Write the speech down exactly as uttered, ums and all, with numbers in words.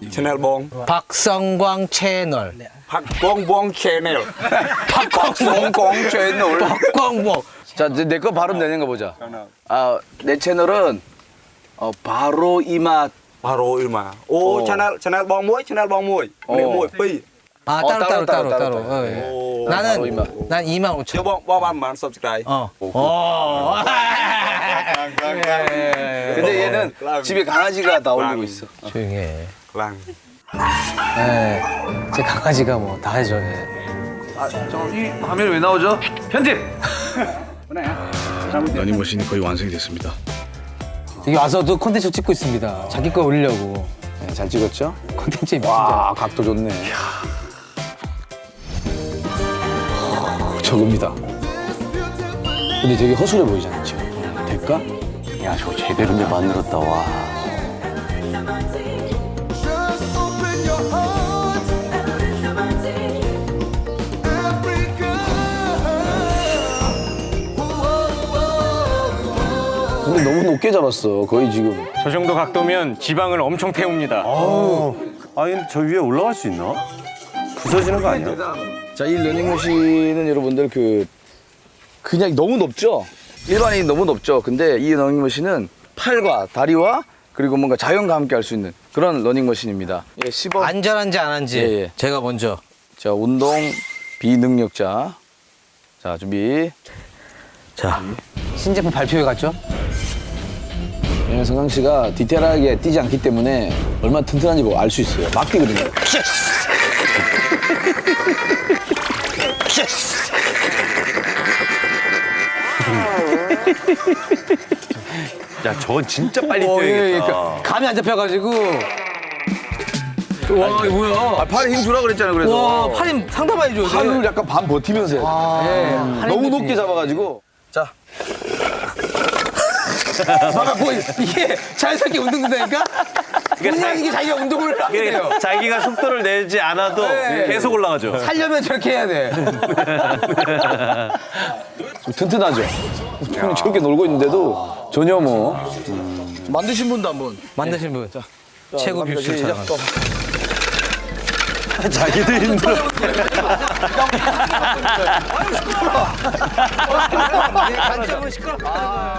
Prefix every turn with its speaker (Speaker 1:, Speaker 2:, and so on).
Speaker 1: 채널 봉.
Speaker 2: 박성광 채널.
Speaker 1: 박광봉 채널.
Speaker 3: 박광봉 채널.
Speaker 2: 박광봉.
Speaker 3: 자, 내 거 발음 되는 거 보자. 아, 내 채널은 어, 바로 이 맛.
Speaker 1: 바로 일마. 오,
Speaker 3: 어.
Speaker 1: 채널 채널 봉 무이, 채널 봉 무이.
Speaker 3: 어.
Speaker 1: 네, 무이 삐.
Speaker 2: 아
Speaker 3: 어,
Speaker 2: 따로 따로 따로
Speaker 3: 따로,
Speaker 2: 따로.
Speaker 3: 따로,
Speaker 2: 어, 예.
Speaker 1: 오.
Speaker 3: 바로
Speaker 2: 나는
Speaker 3: 이만.
Speaker 2: 난 이만
Speaker 1: 저
Speaker 2: 오천.
Speaker 1: 봉 봉만 subscribe.
Speaker 2: 어. 어.
Speaker 3: 근데 얘는 집에 강아지가 다 올리고 있어.
Speaker 2: 조용히 해.
Speaker 1: 랑.
Speaker 2: 네. 제 강아지가 뭐 다 해줘. 예.
Speaker 3: 아, 저이 화면이 왜 나오죠? 편집.
Speaker 4: 러닝머신이 거의 완성이 됐습니다.
Speaker 2: 여기 와서도 콘텐츠 찍고 있습니다. 자기 거 올리려고.
Speaker 3: 네, 잘 찍었죠?
Speaker 2: 콘텐츠에 미친
Speaker 3: 와, 각도 좋네. 저겁니다. 근데 되게 허술해 보이잖아, 지금. 될까?
Speaker 5: 야, 저거 제대로 내 만들었다, 와.
Speaker 3: 근데 너무 높게 잡았어, 거의 지금.
Speaker 6: 저 정도 각도면 지방을 엄청 태웁니다.
Speaker 5: 아니, 저 위에 올라갈 수 있나? 부서지는 거 아니야?
Speaker 3: 자, 이 러닝머신은 여러분들 그 그냥 너무 높죠? 일반인이 너무 높죠? 근데 이 러닝머신은 팔과 다리와 그리고 뭔가 자연과 함께 할 수 있는 그런 러닝머신입니다. 예, 십억.
Speaker 2: 안전한지 안 한지
Speaker 3: 예, 예.
Speaker 2: 제가 먼저.
Speaker 3: 자, 운동 비능력자. 자, 준비.
Speaker 2: 자 신제품 발표회 갔죠?
Speaker 3: 왜냐면 성강 씨가 디테일하게 뛰지 않기 때문에 얼마나 튼튼한지 뭐 알 수 있어요. 막 뛰거든요.
Speaker 5: 야, 저건 진짜 빨리
Speaker 2: 어, 예, 예.
Speaker 5: 뛰어야겠다.
Speaker 2: 그러니까 감이 안 잡혀가지고. 와 이거 뭐야?
Speaker 3: 아, 팔에 힘 주라 그랬잖아요, 그래서.
Speaker 2: 와 팔이 상당 많이 줘요.
Speaker 3: 팔을 약간 반 버티면서 해야 돼.
Speaker 2: 예.
Speaker 3: 너무 높게 잡아가지고. 자,
Speaker 2: 봐봐 뭐 이게 자연스럽게 운동 된다니까? 그냥 이게 자기가 운동을 하게 돼요.
Speaker 5: 이게 자기가 속도를 내지 않아도
Speaker 2: 네.
Speaker 5: 계속 올라가죠.
Speaker 2: 살려면 저렇게 해야 돼.
Speaker 3: 좀 튼튼하죠? 형이 저렇게 놀고 있는데도 전혀 뭐. 만드신 분도 한번.
Speaker 2: 만드신 분. 최고 뷰슈
Speaker 3: 시작.
Speaker 2: 촬영.
Speaker 3: 또.
Speaker 5: 자기도 힘들어.
Speaker 2: 관점은 시끄러.